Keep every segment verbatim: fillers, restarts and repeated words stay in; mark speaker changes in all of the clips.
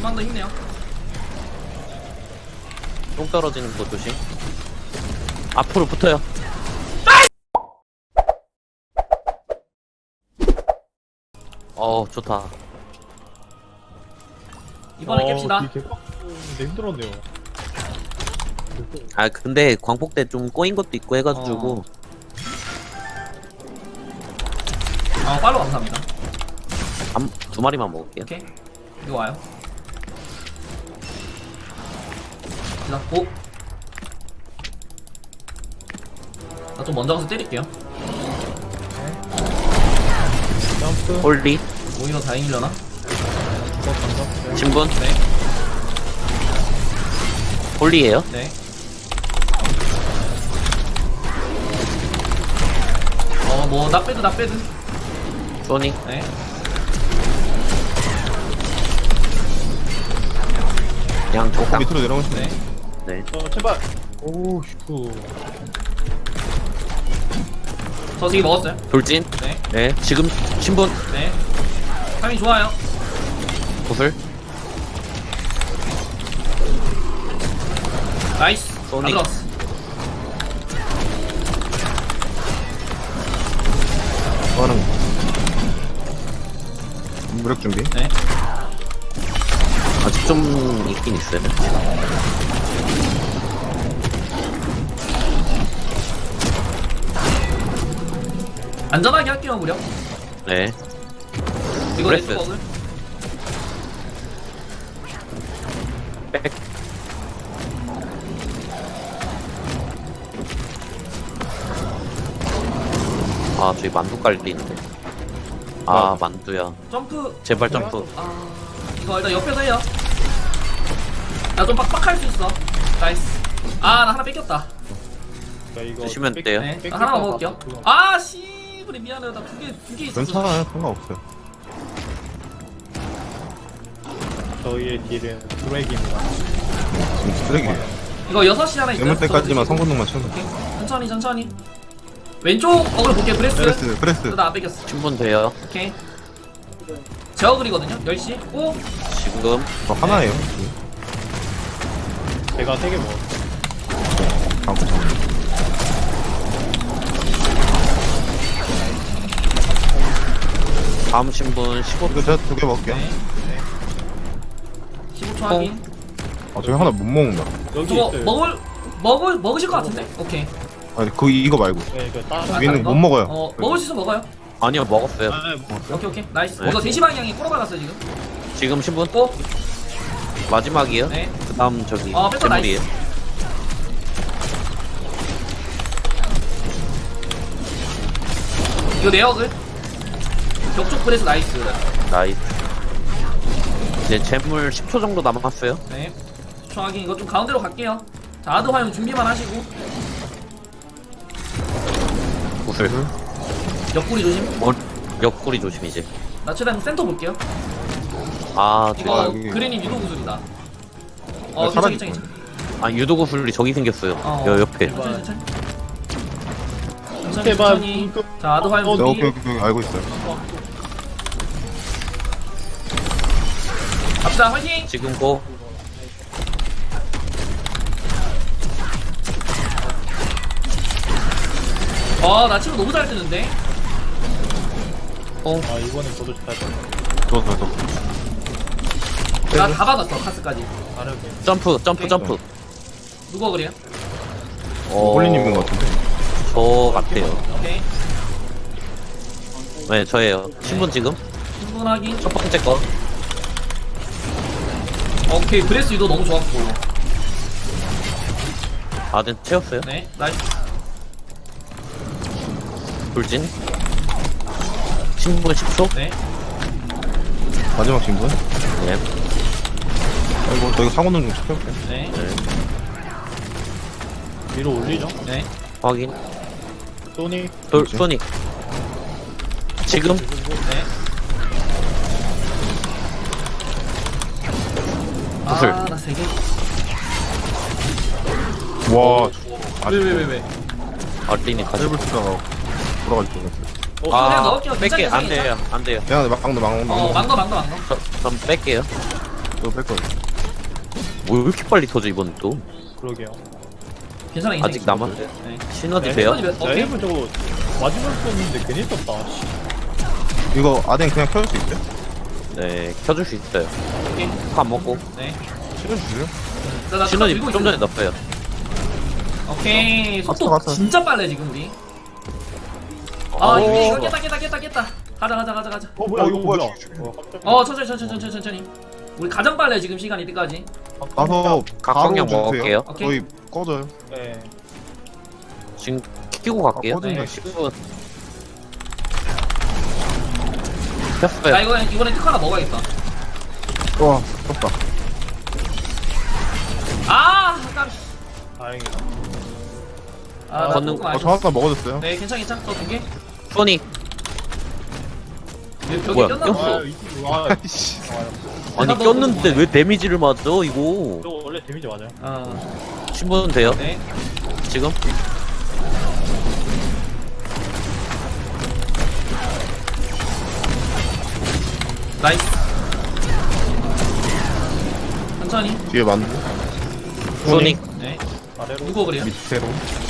Speaker 1: 좀만 더 힘내요.
Speaker 2: 똥 떨어지는 거 조심. 앞으로 붙어요. 어 좋다.
Speaker 1: 이번에 깹시다.
Speaker 3: 개빡인데 힘들었네요.
Speaker 2: 아 근데 광폭 때 좀 꼬인 것도 있고 해가지고
Speaker 1: 어. 아 팔로 감사합니다.
Speaker 2: 한, 두 마리만 먹을게요.
Speaker 1: 오케이. 이거 와요. 자, 고. 나 좀 먼저 가서 때릴게요.
Speaker 3: 점프.
Speaker 2: 홀리
Speaker 1: 오히려 다행이려나?
Speaker 3: 어, 감사.
Speaker 2: 신분
Speaker 1: 네.
Speaker 2: 홀리에요.
Speaker 1: 네. 어, 뭐, 나빼드, 나빼드.
Speaker 2: 소니
Speaker 1: 네.
Speaker 2: 그냥
Speaker 4: 어,
Speaker 2: 적당.
Speaker 4: 밑으로 내려오시네.
Speaker 1: 네.
Speaker 2: 네.
Speaker 3: 어, 제발. 오, 슈프.
Speaker 1: 저 지금 먹었어요.
Speaker 2: 돌진.
Speaker 1: 네.
Speaker 2: 네. 지금 신분
Speaker 1: 네. 타이밍 좋아요.
Speaker 2: 구슬.
Speaker 1: 나이스. 다
Speaker 2: 소닉.
Speaker 1: 들어왔어.
Speaker 4: 저는 무력 준비.
Speaker 1: 네.
Speaker 2: 아직 좀 있긴 있어요.
Speaker 1: 안전하게 할게요, 무려.
Speaker 2: 네.
Speaker 1: 이거
Speaker 2: 브레스.
Speaker 1: 내 먹을.
Speaker 2: 백. 아 저기 만두 깔리는데. 아 만두야.
Speaker 1: 점프.
Speaker 2: 제발 점프.
Speaker 1: 아, 이거 일단 옆에서 해요. 나 좀 빡빡할 수 있어. 나이스. 아, 나 하나 뺏겼다.
Speaker 3: 자, 이거
Speaker 2: 드시면
Speaker 3: 백-
Speaker 2: 돼요.
Speaker 1: 네.
Speaker 3: 백-
Speaker 1: 나 하나만
Speaker 3: 백-
Speaker 1: 먹을게요.
Speaker 3: 그거.
Speaker 1: 아, 씨. 그래, 미안해요. 나 두 개, 두 개 있었어.
Speaker 4: 괜찮아요. 상관없어요.
Speaker 3: 저희의 딜은 드래기입니다.
Speaker 4: 지금 쓰레기예요.
Speaker 1: 이거 여섯 시 하나 있어요.
Speaker 4: 예물 때까지만
Speaker 1: 저거
Speaker 4: 성공동만 채우면.
Speaker 1: 오케이. 천천히, 천천히. 왼쪽 어글 볼게요. 브레스.
Speaker 4: 프레스, 프레스.
Speaker 1: 나 안 뺏겼어.
Speaker 2: 신분 돼요.
Speaker 1: 오케이. 제 어글이거든요. 열 시. 오.
Speaker 2: 지금
Speaker 4: 저 하나예요.
Speaker 3: 제가 세 개 먹었어요.
Speaker 4: 다음 거 잡는.
Speaker 2: 다음 신분 십오.
Speaker 4: 이거 제가 두 개 먹을게요.
Speaker 1: 네. 십오 초 확인.
Speaker 4: 아, 저기 하나 못 먹는다.
Speaker 3: 여기
Speaker 1: 저거
Speaker 3: 있어요.
Speaker 1: 먹을 먹을 먹으실 것 같은데? 오케이.
Speaker 4: 아니, 그, 이거 말고.
Speaker 3: 네, 그 따로.
Speaker 1: 아,
Speaker 4: 위는
Speaker 1: 이거?
Speaker 4: 못 먹어요.
Speaker 1: 어, 먹을 수 있으면 먹어요.
Speaker 2: 아니요 먹었어요.
Speaker 3: 아, 네, 먹었어요.
Speaker 1: 오케이, 오케이. 나이스.
Speaker 2: 네.
Speaker 1: 이거 대시 방향이 꼬라박았어요 지금.
Speaker 2: 지금 신분
Speaker 1: 고.
Speaker 2: 마지막이요.
Speaker 1: 네.
Speaker 2: 그 다음 저기
Speaker 1: 어, 뺐다,
Speaker 2: 재물이에요.
Speaker 1: 이거 내 어글. 벽쪽 브레스 나이스.
Speaker 2: 나이스. 이제 재물 십 초 정도 남았어요.
Speaker 1: 네. 십 초 확인. 이거 좀 가운데로 갈게요. 자, 아드 화용 준비만 하시고.
Speaker 2: 구슬.
Speaker 1: 옆구리 조심.
Speaker 2: 어, 옆구리 조심 이제.
Speaker 1: 나 최대한 센터 볼게요.
Speaker 2: 아
Speaker 1: 이거
Speaker 4: 아, 여기.
Speaker 1: 그린이 유도 구슬이다. 어,
Speaker 4: 네,
Speaker 1: 괜찮아, 괜찮아,
Speaker 4: 사라질
Speaker 1: 괜찮아.
Speaker 2: 아 유도 구슬이 저기 생겼어요.
Speaker 1: 어.
Speaker 2: 여 옆에.
Speaker 1: 천천히, 천천히. 천천히,
Speaker 3: 제발.
Speaker 1: 천천히. 자, 아드 화용
Speaker 3: 어,
Speaker 4: 네,
Speaker 1: 준비.
Speaker 4: 오케이, 오케이, 오케이. 알고 있어요.
Speaker 1: 갑시다, 화이팅!
Speaker 2: 지금 고.
Speaker 1: 어, 나 친구 너무 잘 뜨는데?
Speaker 3: 아, 이번엔 저도 잘 떴어요.
Speaker 4: 저, 저, 저.
Speaker 1: 나 다 받았어, 카스까지.
Speaker 3: 다르게.
Speaker 2: 점프 점프 점프.
Speaker 1: 누가 그래요?
Speaker 2: 어,
Speaker 4: 홀리님인 것 같은데.
Speaker 2: 저 같아요.
Speaker 1: 오케이.
Speaker 2: 네 저예요. 신분 지금
Speaker 1: 신분 확인.
Speaker 2: 첫 번째 거.
Speaker 1: 오케이, 브레스 유도 너무 좋았고.
Speaker 2: 아든 채웠어요.
Speaker 1: 네, 나이스.
Speaker 2: 돌진. 신분 십 초.
Speaker 1: 네.
Speaker 4: 마지막 신분.
Speaker 2: 네.
Speaker 4: 아이고, 저 이거 상호는 좀 시켜볼게요.
Speaker 1: 네.
Speaker 2: 네.
Speaker 3: 위로 올리죠.
Speaker 1: 네.
Speaker 2: 확인.
Speaker 3: 소니.
Speaker 2: 돌
Speaker 4: 그렇지.
Speaker 2: 소닉. 지금
Speaker 1: 네.
Speaker 2: 구슬.
Speaker 1: 아, 나 세 개.
Speaker 4: 와,
Speaker 1: 왜, 왜, 왜, 왜?
Speaker 2: 어린이 가져.
Speaker 4: 테이블 쓰다가 돌아갈 뻔했어요.
Speaker 1: 어, 그냥 넣을게요.
Speaker 2: 뺄게
Speaker 1: 괜찮아,
Speaker 2: 안
Speaker 1: 괜찮아.
Speaker 2: 돼요 안 돼요.
Speaker 4: 야, 막강도 막강도
Speaker 1: 어, 망더, 망더, 망더.
Speaker 2: 저, 전 뺄게요.
Speaker 4: 이거 뺄거야.
Speaker 2: 뭐 왜 이렇게 빨리 터져 이번 또?
Speaker 3: 그러게요.
Speaker 1: 괜찮아 인생.
Speaker 2: 아직 남았어요.
Speaker 1: 네.
Speaker 2: 시너지
Speaker 3: 네,
Speaker 2: 돼요?
Speaker 1: 시너지 몇-
Speaker 3: 나
Speaker 1: 오케이.
Speaker 3: 일본 저거 맞으면 썼는데 괜히 썼다. 씨.
Speaker 4: 이거 아덴 그냥 켜줄 수 있어요?
Speaker 2: 네, 켜줄 수 있어요.
Speaker 1: 오케이.
Speaker 2: 안 먹고.
Speaker 1: 네.
Speaker 4: 켜주세요?
Speaker 1: 자, 나
Speaker 2: 시너지
Speaker 1: 들고
Speaker 2: 좀
Speaker 1: 있어요.
Speaker 2: 전에 넣었어요.
Speaker 1: 오케이. 속도
Speaker 4: 갔어, 갔어.
Speaker 1: 진짜 빨래 지금 우리. 아
Speaker 2: 오.
Speaker 1: 이거 이거 깼다 깼다 깼다 깼다. 가자 가자 가자 가자.
Speaker 3: 어 뭐야
Speaker 4: 어,
Speaker 3: 이거
Speaker 4: 이거
Speaker 3: 뭐야?
Speaker 4: 뭐야?
Speaker 3: 어, 깜짝이야.
Speaker 1: 어 천천히 천천히 천천히 천천히. 우리 가장 빨래 지금 시간 이때까지.
Speaker 4: 가서
Speaker 2: 각광형
Speaker 4: 바로
Speaker 2: 먹을게요.
Speaker 1: 오케이.
Speaker 4: 거의 꺼져요.
Speaker 3: 네.
Speaker 2: 지금 키고 갈게요.
Speaker 4: 아, 꺼진다,
Speaker 2: 네,
Speaker 4: 씨.
Speaker 2: 십 분.
Speaker 1: 자
Speaker 2: 켰어요.
Speaker 1: 이거 이번에 특 하나 먹어야겠다.
Speaker 4: 와, 떴다.
Speaker 1: 아 깜.
Speaker 3: 다행이다.
Speaker 1: 아, 나
Speaker 2: 걷는-
Speaker 1: 조금
Speaker 4: 어, 저
Speaker 1: 아쉬웠어.
Speaker 4: 하나 먹어줬어요.
Speaker 1: 네 괜찮 괜찮. 저두 개.
Speaker 2: 소닉.
Speaker 1: 여기 벽에
Speaker 2: 뭐야,
Speaker 1: 꼈나
Speaker 2: 꼈어?
Speaker 1: 보다.
Speaker 3: 아 이거 와.
Speaker 4: 아이씨.
Speaker 2: 아니
Speaker 1: 내가
Speaker 2: 꼈는데
Speaker 1: 먹어도
Speaker 2: 왜 데미지를 맞아 이거?
Speaker 3: 저 원래 데미지 맞아요.
Speaker 1: 어.
Speaker 2: 신분 돼요?
Speaker 1: 네.
Speaker 2: 지금?
Speaker 1: 나이스. 천천히.
Speaker 4: 뒤에 만두.
Speaker 2: 소닉
Speaker 1: 네.
Speaker 3: 아래로.
Speaker 1: 누구 그래요?
Speaker 4: 밑으로.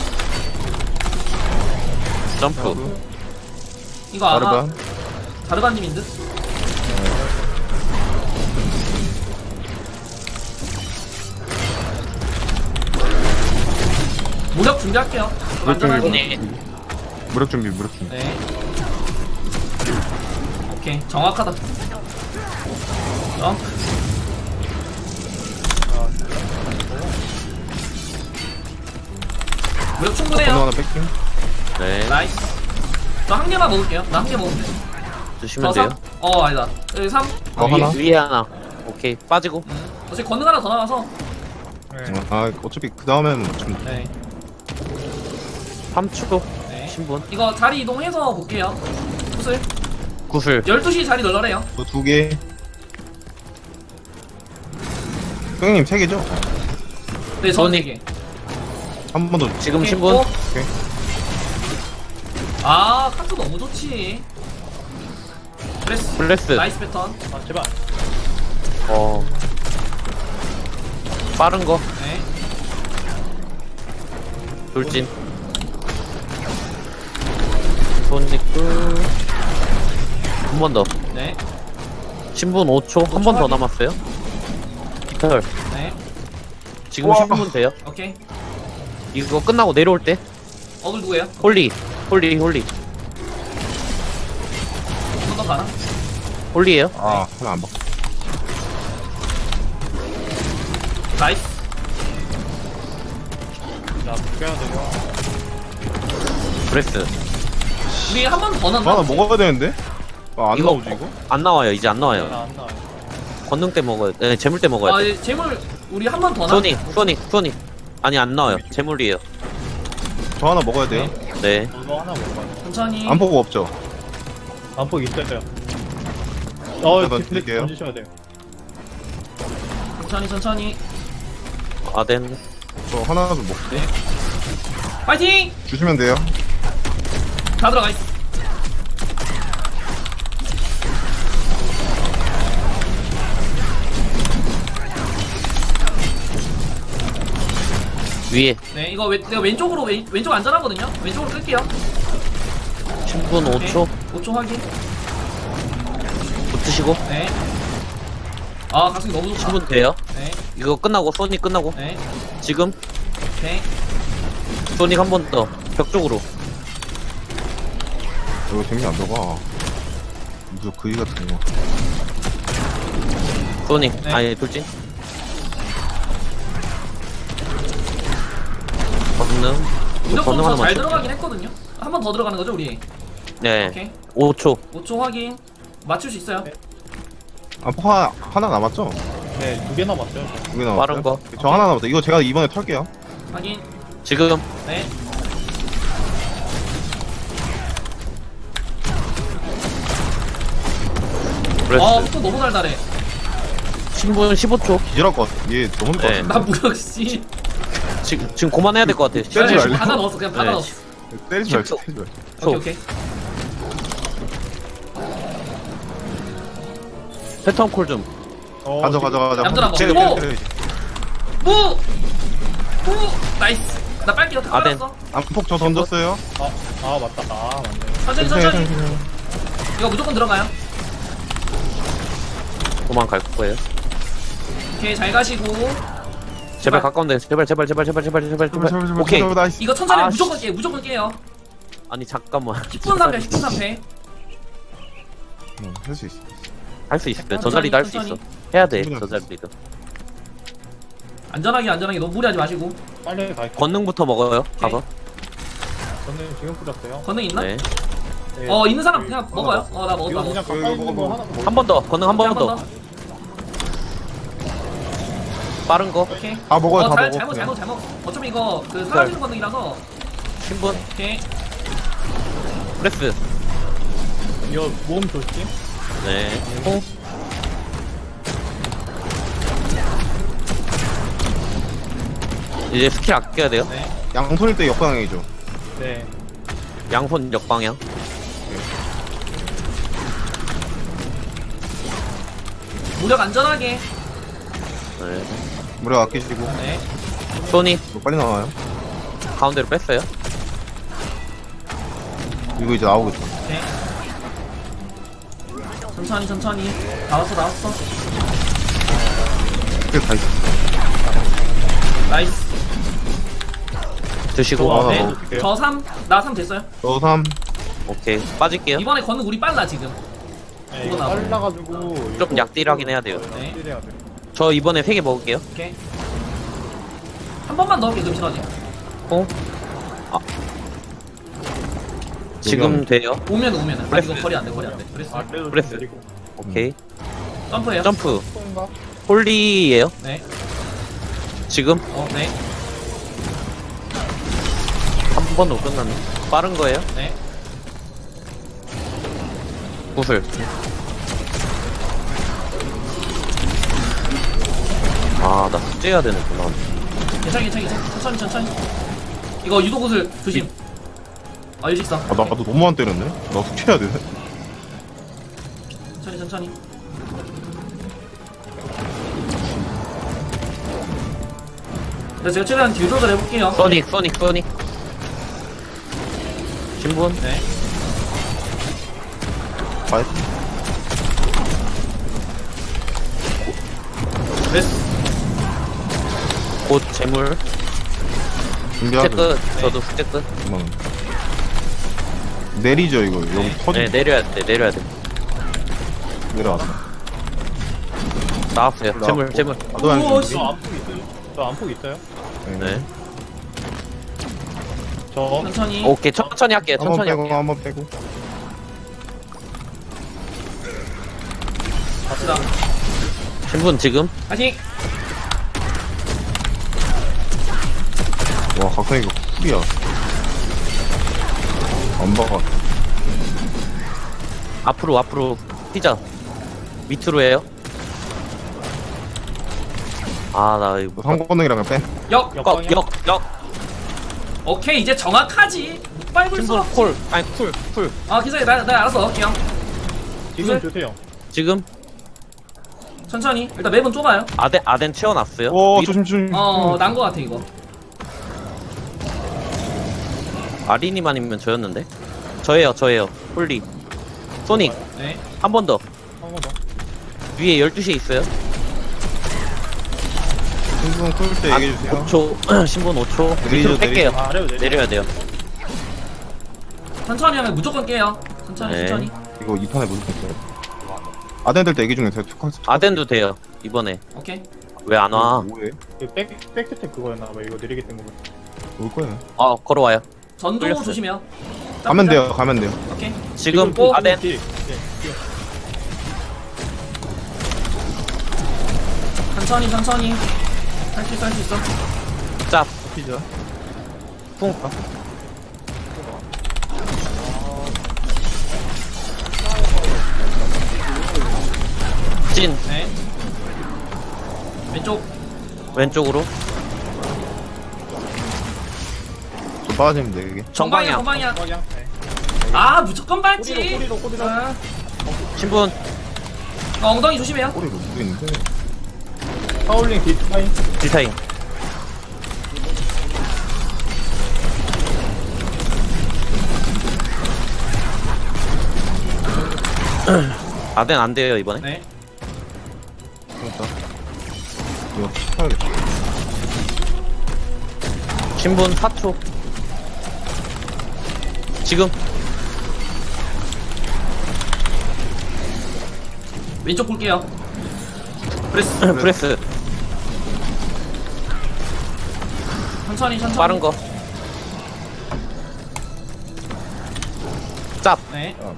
Speaker 2: 점프.
Speaker 1: 이거 아마
Speaker 4: 아르반.
Speaker 1: 다르반님인 듯? 무력 준비할게요. 좀 안전하게.
Speaker 2: 네.
Speaker 4: 무력 준비, 무력 준비.
Speaker 1: 네. 오케이 정확하다. 점프. 무력
Speaker 4: 건너
Speaker 1: 충분해요.
Speaker 4: 하나 뺄게요.
Speaker 2: 네.
Speaker 1: 나이스. 저 한 개만 먹을게요. 나 한 개 먹으면 돼.
Speaker 2: 주시면
Speaker 1: 저
Speaker 2: 돼요.
Speaker 1: 삼? 어 아니다. 여기 삼.
Speaker 4: 어,
Speaker 2: 위에,
Speaker 4: 하나?
Speaker 2: 위에 하나. 오케이 빠지고.
Speaker 1: 음. 어차피 건능 하나 더 남아서.
Speaker 3: 네.
Speaker 4: 아, 어차피 그 다음에는 좀.
Speaker 1: 네.
Speaker 2: 삼 초.
Speaker 1: 네.
Speaker 2: 신분.
Speaker 1: 이거 자리 이동해서 볼게요. 구슬.
Speaker 2: 구슬.
Speaker 1: 열두 시 자리 널널해요.
Speaker 4: 저 두 개. 형님 세 개죠?
Speaker 1: 네, 저는
Speaker 2: 손이-
Speaker 1: 네 개.
Speaker 4: 한 번 더.
Speaker 2: 지금
Speaker 1: 오케이,
Speaker 2: 신분.
Speaker 1: 어?
Speaker 4: 오케이.
Speaker 1: 아, 카트 너무 좋지. 브레스.
Speaker 2: 블레스.
Speaker 1: 나이스 패턴.
Speaker 3: 아 제발.
Speaker 2: 어. 빠른 거.
Speaker 1: 네.
Speaker 2: 돌진. 소닉 둘. 한 번 더.
Speaker 1: 네.
Speaker 2: 신분 오 초. 한 번 더
Speaker 1: 확인.
Speaker 2: 남았어요. 털.
Speaker 1: 네.
Speaker 2: 지금
Speaker 4: 우와.
Speaker 2: 신분 돼요.
Speaker 1: 오케이.
Speaker 2: 이거 끝나고 내려올 때.
Speaker 1: 어글 누구예요?
Speaker 2: 홀리. 홀리, 홀리.
Speaker 1: 한 번 더 가나?
Speaker 2: 홀리에요.
Speaker 4: 아, 하나 안 먹.
Speaker 1: 나이스.
Speaker 3: 자 묶여야 되고.
Speaker 2: 브레스.
Speaker 1: 우리 한 번 더
Speaker 4: 저
Speaker 1: 넣나?
Speaker 4: 하나 먹어야 되는데? 아, 안
Speaker 2: 이거-
Speaker 4: 나오지, 이거?
Speaker 2: 안 나와요. 이제 안 나와요.
Speaker 3: 나안 나와.
Speaker 2: 권능 때 먹어야 네, 재물 때 먹어야
Speaker 1: 아,
Speaker 2: 돼.
Speaker 1: 예, 재물 우리 한 번 더 나?
Speaker 2: 소닉, 소닉, 소닉. 아니 안 나와요. 재물이에요.
Speaker 4: 저 하나 먹어야 돼요.
Speaker 2: 네.
Speaker 3: 이거 하나 먹어요.
Speaker 1: 천천히.
Speaker 4: 안 보고 없죠?
Speaker 3: 안폭 있어요. 어
Speaker 4: 제가
Speaker 3: 디플렉
Speaker 4: 드릴게요.
Speaker 3: 던지셔야 돼요.
Speaker 1: 천천히 천천히.
Speaker 2: 아덴.
Speaker 4: 저 하나 좀 먹.
Speaker 1: 파이팅!
Speaker 4: 주시면 돼요.
Speaker 1: 다 들어가 있어.
Speaker 2: 위에
Speaker 1: 네, 이거 왼, 내가 왼쪽으로 왼, 왼쪽 안전하거든요. 왼쪽으로 끌게요.
Speaker 2: 신분 오 초.
Speaker 1: 오 초 확인.
Speaker 2: 붙으시고.
Speaker 1: 네. 아, 가슴이 너무 좋다.
Speaker 2: 신분 돼요.
Speaker 1: 네.
Speaker 2: 이거 끝나고 소닉 끝나고.
Speaker 1: 네.
Speaker 2: 지금
Speaker 1: 오케이.
Speaker 2: 소닉 한 번 더. 벽 쪽으로.
Speaker 4: 이거 재미 안 들어가. 무슨 그이 같은 거.
Speaker 2: 소닉.
Speaker 1: 네.
Speaker 2: 아니 돌진. 권능.
Speaker 1: 무조건
Speaker 2: 권능
Speaker 1: 저
Speaker 2: 하나만
Speaker 1: 잘
Speaker 2: 쳐.
Speaker 1: 들어가긴 했거든요. 한 번 더 들어가는 거죠, 우리?
Speaker 2: 네.
Speaker 1: 오케이.
Speaker 2: 오 초.
Speaker 1: 오 초 확인. 맞출 수 있어요.
Speaker 3: 네.
Speaker 4: 아, 포 하나, 하나 남았죠?
Speaker 3: 네두 개 남았어요.
Speaker 4: 두 개 남았어요.
Speaker 2: 빠른 거.
Speaker 4: 저 하나 남았다. 이거 제가 이번에 털게요.
Speaker 1: 확인.
Speaker 2: 지금
Speaker 1: 네.
Speaker 2: 브레스.
Speaker 1: 어, 또 너무 달달해.
Speaker 2: 신분 십오 초.
Speaker 4: 기절할 것 같아. 얘 너무 늦것
Speaker 2: 네.
Speaker 4: 같아.
Speaker 1: 나 무력 씨.
Speaker 2: 지금 지금 그만해야 될 것 같아.
Speaker 4: 때리지
Speaker 1: 네,
Speaker 4: 말래.
Speaker 1: 받아 넣었어. 그냥 받아
Speaker 2: 네.
Speaker 1: 넣었어.
Speaker 4: 때리지 말자,
Speaker 2: 십 초.
Speaker 4: 때리지 말자.
Speaker 1: 오케이, 오케이.
Speaker 2: 패턴 콜 좀.
Speaker 3: 어,
Speaker 4: 가져
Speaker 3: 지금-
Speaker 4: 가져 가져.
Speaker 1: 얌전한 거.
Speaker 4: 때려,
Speaker 1: 오!
Speaker 4: 때려, 때려.
Speaker 1: 무! 무! 나이스. 나 빨리 어떻게
Speaker 2: 아덴.
Speaker 1: 깔았어?
Speaker 4: 안폭 저 던졌어요.
Speaker 3: 아, 아 맞다. 아 맞네.
Speaker 1: 천천히 천천히. 이거 무조건 들어가요.
Speaker 2: 도망갈 거예요.
Speaker 1: 오케이 잘 가시고.
Speaker 2: 제발 가까운데 제발 제발 제발 제발 제발 제발
Speaker 4: 제발, 제발,
Speaker 2: 제발.
Speaker 4: 제발,
Speaker 2: 오케이.
Speaker 4: 제발, 나이스.
Speaker 1: 이거 천천히
Speaker 2: 아,
Speaker 1: 무조건 깨 무조건 깨요.
Speaker 2: 아니 잠깐만.
Speaker 1: 십 분 삼 패 십 분 삼 패.
Speaker 4: 응, 할수 있어.
Speaker 2: 할 수 있어. 저
Speaker 1: 천천히,
Speaker 2: 자리도 할 수 있어.
Speaker 1: 천천히.
Speaker 2: 해야 돼.
Speaker 4: 충분히
Speaker 2: 저
Speaker 4: 할수
Speaker 2: 자리도.
Speaker 1: 안전하게 안전하게 너무 무리하지 마시고.
Speaker 3: 빨리 갈게.
Speaker 2: 권능부터 먹어요. 가서.
Speaker 3: 저는 지금 뿌렸어요.
Speaker 1: 건능 있나?
Speaker 2: 네.
Speaker 3: 네.
Speaker 1: 어 있는 사람 그냥 먹어요. 어 나 먹었다
Speaker 3: 이거
Speaker 1: 먹었어.
Speaker 3: 그냥 가까이 있는 거 하나 더.
Speaker 2: 한 번 더. 권능 한 번 더. 빠른 거.
Speaker 1: 오케이.
Speaker 4: 다 먹어요,
Speaker 1: 어,
Speaker 4: 다
Speaker 1: 잘,
Speaker 4: 먹어.
Speaker 1: 잘못
Speaker 4: 그냥.
Speaker 1: 잘못 잘못. 어차피 이거 그 사라지는 건능이라서.
Speaker 2: 신분.
Speaker 1: 오케이.
Speaker 2: 프레스.
Speaker 3: 이거 모험 조심.
Speaker 2: 네. 호. 이제 스킬 아껴야 돼요.
Speaker 1: 네.
Speaker 4: 양손일 때 역방향이죠.
Speaker 3: 네.
Speaker 2: 양손 역방향.
Speaker 1: 무력 안전하게.
Speaker 2: 네.
Speaker 4: 무력 아끼시고.
Speaker 1: 네.
Speaker 2: 소니
Speaker 4: 이거 빨리 나와요.
Speaker 2: 가운데로 뺐어요.
Speaker 4: 이거 이제 나오겠다.
Speaker 1: 오케이. 천천히 천천히. 나왔어 나왔어.
Speaker 4: 스킬 다 있어.
Speaker 1: 나이스.
Speaker 2: 드시고.
Speaker 4: 좋아.
Speaker 1: 네.
Speaker 4: 오케이.
Speaker 1: 저 삼. 나 삼 됐어요.
Speaker 4: 저 삼.
Speaker 2: 오케이. 빠질게요.
Speaker 1: 이번에 건능 우리 빨라 지금.
Speaker 3: 네,
Speaker 1: 이거
Speaker 3: 이거
Speaker 1: 나와.
Speaker 3: 빨라가지고
Speaker 2: 좀 약딜하긴 해야 돼요.
Speaker 1: 네.
Speaker 3: 딜해야 돼.
Speaker 2: 저 이번에 세 개 먹을게요.
Speaker 1: 오케이. 한 번만 넣을게 금신하지.
Speaker 2: 호. 아. 지금 돼요.
Speaker 1: 오면 오면은. 아
Speaker 2: 브레스.
Speaker 1: 이거 거리 안돼 거리 안돼. 브레스.
Speaker 3: 아, 그래도
Speaker 2: 브레스.
Speaker 3: 좀 느리고.
Speaker 2: 오케이.
Speaker 1: 점프해요.
Speaker 2: 점프.
Speaker 3: 쏜가?
Speaker 2: 홀리예요.
Speaker 1: 네.
Speaker 2: 지금
Speaker 1: 어 네.
Speaker 2: 한 번으로 끝났네. 빠른 거예요.
Speaker 1: 네.
Speaker 2: 구슬. 아, 나 숙제해야 되는구나.
Speaker 1: 괜찮아 괜찮아 괜찮아. 천천히 천천히. 이거 유도 구슬 조심. 아 일직선.
Speaker 4: 아, 나도 너무 안 때렸네. 나 숙제해야 되네.
Speaker 1: 천천히 천천히. 네, 제가 최대한 딜 조절 해볼게요.
Speaker 2: 소닉, 소닉, 소닉. 신분.
Speaker 1: 네.
Speaker 4: 아,
Speaker 1: 브레스.
Speaker 2: 곧 재물. 숙제
Speaker 4: 준비하고.
Speaker 2: 끝. 저도 숙제 끝.
Speaker 4: 잠깐만. 내리죠 이거. 여기 터지.
Speaker 2: 네, 내려야 돼, 내려야 돼.
Speaker 4: 내려왔어.
Speaker 2: 나왔어요.
Speaker 4: 나왔고.
Speaker 2: 재물, 재물.
Speaker 4: 아, 너
Speaker 1: 우와,
Speaker 4: 안
Speaker 1: 씨.
Speaker 3: 저 안폭 있어요? 저 안폭 있어요?
Speaker 2: 네.
Speaker 3: 저
Speaker 1: 천천히.
Speaker 2: 오케이, 천천히 할게요.
Speaker 4: 한번
Speaker 2: 천천히
Speaker 4: 빼고
Speaker 2: 할게요.
Speaker 4: 한번 빼고.
Speaker 1: 갑시다.
Speaker 2: 신분 지금.
Speaker 1: 파이팅.
Speaker 4: 와 각성이 이거 쿨이야. 안 박아.
Speaker 2: 앞으로, 앞으로. 피자. 밑으로 해요. 아, 나 이거.
Speaker 4: 상권능이랑 빼.
Speaker 1: 역.
Speaker 2: 역,
Speaker 3: 역방향?
Speaker 2: 역, 역.
Speaker 1: 오케이 이제 정확하지. 못 밟을 수
Speaker 2: 신분
Speaker 1: 없지.
Speaker 2: 콜. 아니, 쿨, 쿨.
Speaker 1: 아 기사님 나, 나 알아서 넣을게요.
Speaker 3: 지금
Speaker 1: 구슬?
Speaker 3: 주세요.
Speaker 2: 지금
Speaker 1: 천천히. 일단 맵은 좁아요.
Speaker 2: 아덴, 아덴 채워놨어요.
Speaker 4: 오
Speaker 2: 위-
Speaker 4: 조심 조심.
Speaker 1: 어, 난 거 같아 이거.
Speaker 2: 아린이만 아니면 저였는데. 저예요, 저예요. 홀리. 소닉.
Speaker 1: 네.
Speaker 2: 한 번 더.
Speaker 3: 한 번 더.
Speaker 2: 위에 열두 시에 있어요.
Speaker 4: 신분 쿨때 얘기해 주세요.
Speaker 2: 오 초. 신분 오 초.
Speaker 4: 내리죠,
Speaker 2: 밑으로 뺄게요.
Speaker 3: 아, 아래로 내려.
Speaker 2: 내려야 돼요.
Speaker 1: 천천히 하면 무조건 깨요. 천천히
Speaker 2: 네.
Speaker 1: 천천히.
Speaker 4: 이거 이 판에 무조건 써요. 아덴들 때 얘기 중에 제가 툭
Speaker 2: 아덴도 돼요. 이번에.
Speaker 1: 오케이.
Speaker 2: 왜 안 와?
Speaker 4: 뭐해?
Speaker 3: 이거 백, 백스텝 그거였나봐. 이거 느리게 뜬 거.
Speaker 4: 올 거예요.
Speaker 2: 아, 걸어와요.
Speaker 1: 전동
Speaker 2: 끌렸어요.
Speaker 1: 조심해요.
Speaker 4: 가면 돼요. 가면 돼요.
Speaker 1: 오케이.
Speaker 2: 지금
Speaker 1: 오,
Speaker 2: 아덴.
Speaker 3: 딜. 네, 딜.
Speaker 1: 천천히 천천히. 할 수 있어 할 수 있어.
Speaker 2: 짭.
Speaker 4: 피자.
Speaker 2: 쿵. 찐.
Speaker 1: 네. 왼쪽.
Speaker 2: 왼쪽으로.
Speaker 4: 좀 빠지면 돼 이게.
Speaker 1: 정방이야
Speaker 2: 정방향.
Speaker 1: 정방이야.
Speaker 3: 방향. 네.
Speaker 1: 아 무조건 밟지.
Speaker 3: 꼬리로 꼬리로 꼬리로.
Speaker 1: 아,
Speaker 2: 신분.
Speaker 1: 어, 엉덩이 조심해요.
Speaker 4: 꼬리로 누구 있는데?
Speaker 3: 파울링 뒷라인.
Speaker 2: 딜타임. 아덴 안 돼요 이번에.
Speaker 1: 네.
Speaker 4: 그렇다. 이거 팔겠다.
Speaker 2: 신분 사 초. 지금
Speaker 1: 왼쪽 볼게요. 브레스.
Speaker 2: 브레스
Speaker 1: 천천히 천천히.
Speaker 2: 빠른 거. 짭.
Speaker 1: 네.
Speaker 4: 어.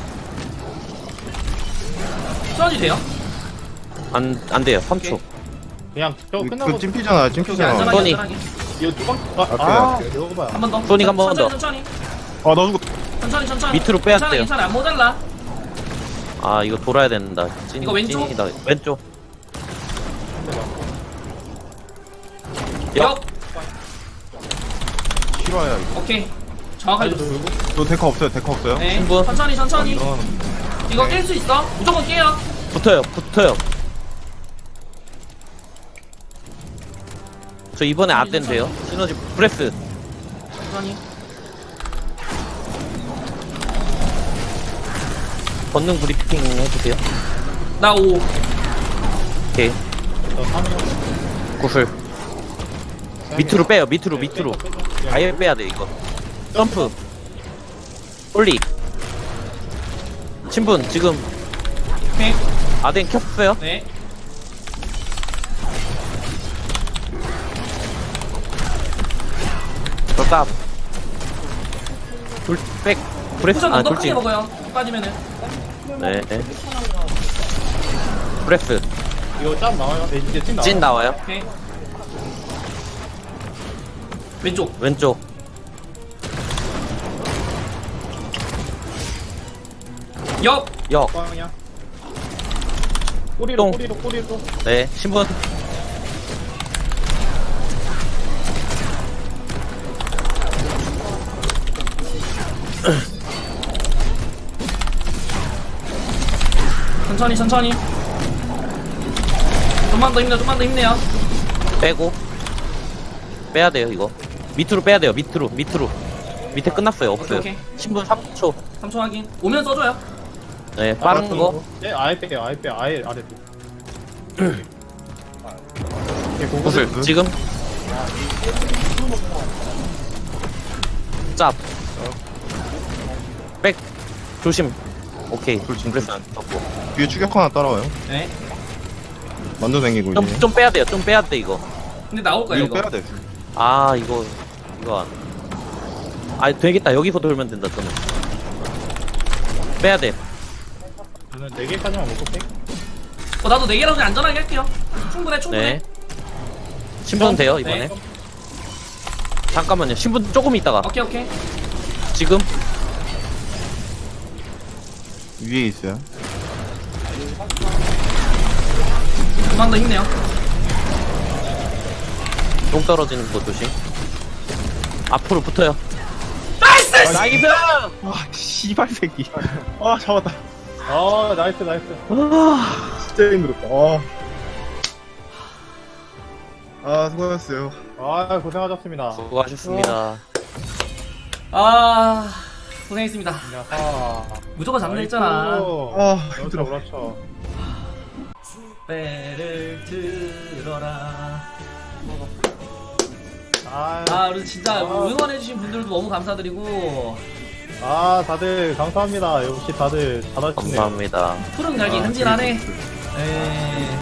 Speaker 1: 천천히 돼요.
Speaker 2: 안, 안 돼요. 삼 초.
Speaker 3: 그냥 저
Speaker 4: 그,
Speaker 3: 끝나고
Speaker 4: 그 찜피잖아,
Speaker 1: 오케이, 오케이.
Speaker 4: 찜피잖아.
Speaker 1: 안전하게
Speaker 2: 소니.
Speaker 1: 안전하게.
Speaker 3: 이거 두방 아,
Speaker 4: 앞에,
Speaker 3: 아
Speaker 4: 앞에.
Speaker 3: 이거 봐요.
Speaker 1: 한 번 더.
Speaker 2: 소니가 한번
Speaker 1: 천천히,
Speaker 2: 더.
Speaker 1: 천천히.
Speaker 4: 아, 나 죽었.
Speaker 1: 천천히 천천히.
Speaker 2: 밑으로 빼야
Speaker 1: 괜찮아,
Speaker 2: 돼요.
Speaker 1: 괜찮아. 안 모자라.
Speaker 2: 아 이거 돌아야 된다. 찐,
Speaker 1: 이거 왼쪽?
Speaker 2: 찐이다. 왼쪽.
Speaker 1: 역.
Speaker 2: 역.
Speaker 4: 실화야, 이거.
Speaker 1: 오케이. 정확하게 줬어.
Speaker 4: 너 데커 없어요, 데커 없어요?
Speaker 1: 네.
Speaker 2: 신분.
Speaker 1: 천천히 천천히.
Speaker 4: 이건
Speaker 1: 이거 깰 수 있어. 무조건 깨요.
Speaker 2: 붙어요. 붙어요. 저 이번에 아덴 돼요. 시너지 브레스.
Speaker 1: 천천히.
Speaker 2: 권능 브리핑 해주세요.
Speaker 1: 나 오.
Speaker 2: 오케이.
Speaker 3: 저 삼
Speaker 2: 구슬. 밑으로 빼요. 밑으로 밑으로. 아예 빼야 돼 이거. 점프. 올리. 신분 지금
Speaker 1: 오케이.
Speaker 2: 아덴 켰어요.
Speaker 1: 네.
Speaker 2: 졌다. 돌백 브레스.
Speaker 1: 쿠션
Speaker 2: 아
Speaker 1: 언더 크게
Speaker 2: 돌진.
Speaker 1: 먹어요. 빠지면은.
Speaker 2: 네. 네. 브레스.
Speaker 3: 이거 짬 나와요? 네, 이제 찐 나와요.
Speaker 2: 찐 나와요.
Speaker 1: 오케이. 왼쪽.
Speaker 2: 왼쪽.
Speaker 1: 역.
Speaker 2: 역.
Speaker 3: 빵이야. 꼬리로
Speaker 2: 똥.
Speaker 3: 꼬리로 꼬리로.
Speaker 2: 네. 신분.
Speaker 1: 천천히 천천히. 좀만 더 힘내. 좀만 더 힘내요.
Speaker 2: 빼고. 빼야 돼요 이거. 밑으로 빼야 돼요. 밑으로 밑으로. 밑에 끝났어요. 없어요.
Speaker 1: 오케이, 오케이.
Speaker 2: 신분 삼 초.
Speaker 1: 삼 초 확인. 오면 써줘요.
Speaker 2: 네. 빠른 거.
Speaker 3: 예, 아예 빼요. 아예 빼. 아예 아래. 예, 그거
Speaker 2: 구슬. 지금. 짭. 백. 조심. 오케이.
Speaker 4: 돌진,
Speaker 2: 브레스 안 썼고.
Speaker 4: 뒤에 추격 하나 따라와요.
Speaker 1: 네.
Speaker 4: 만두 생기고
Speaker 2: 좀,
Speaker 4: 있네.
Speaker 2: 좀 빼야 돼요. 좀 빼야 돼 이거.
Speaker 1: 근데 나올 거예요
Speaker 4: 이거
Speaker 1: 이거.
Speaker 4: 빼야 돼.
Speaker 2: 아 이거 이거 안. 아 되겠다. 여기서 돌면 된다 저는. 빼야 돼.
Speaker 3: 저는 네 개까지만 먹고 빼.
Speaker 1: 어 나도 네 개라도 그냥 안전하게 할게요. 충분해 충분해.
Speaker 2: 네. 신분 돼요 이번에.
Speaker 1: 네.
Speaker 2: 잠깐만요. 신분 조금 있다가.
Speaker 1: 오케이 오케이.
Speaker 2: 지금.
Speaker 4: 위에 있어요.
Speaker 1: 좀만 더 힘내요.
Speaker 2: 똥 떨어지는 거 조심. 앞으로 붙어요.
Speaker 1: 나이스.
Speaker 2: 나이스!
Speaker 4: 아, 씨발 새끼.
Speaker 3: 아 잡았다. 아 나이스 나이스.
Speaker 4: 진짜 힘들었다. 아, 아 수고하셨어요.
Speaker 3: 아 고생하셨습니다.
Speaker 2: 수고하셨습니다.
Speaker 1: 아 고생했습니다.
Speaker 3: 아,
Speaker 1: 무조건 잡는 했잖아.
Speaker 4: 아,
Speaker 3: 그렇죠
Speaker 4: 힘들어.
Speaker 3: 그렇죠.
Speaker 1: 배를 들어라.
Speaker 3: 아,
Speaker 1: 아 우리 진짜
Speaker 3: 아.
Speaker 1: 응원해주신 분들도 너무 감사드리고
Speaker 3: 아 다들 감사합니다. 역시 다들 잘하시네요.
Speaker 2: 감사합니다.
Speaker 1: 푸른 날개
Speaker 4: 아,
Speaker 1: 흠진하네.
Speaker 4: 재밌었어요.
Speaker 1: 에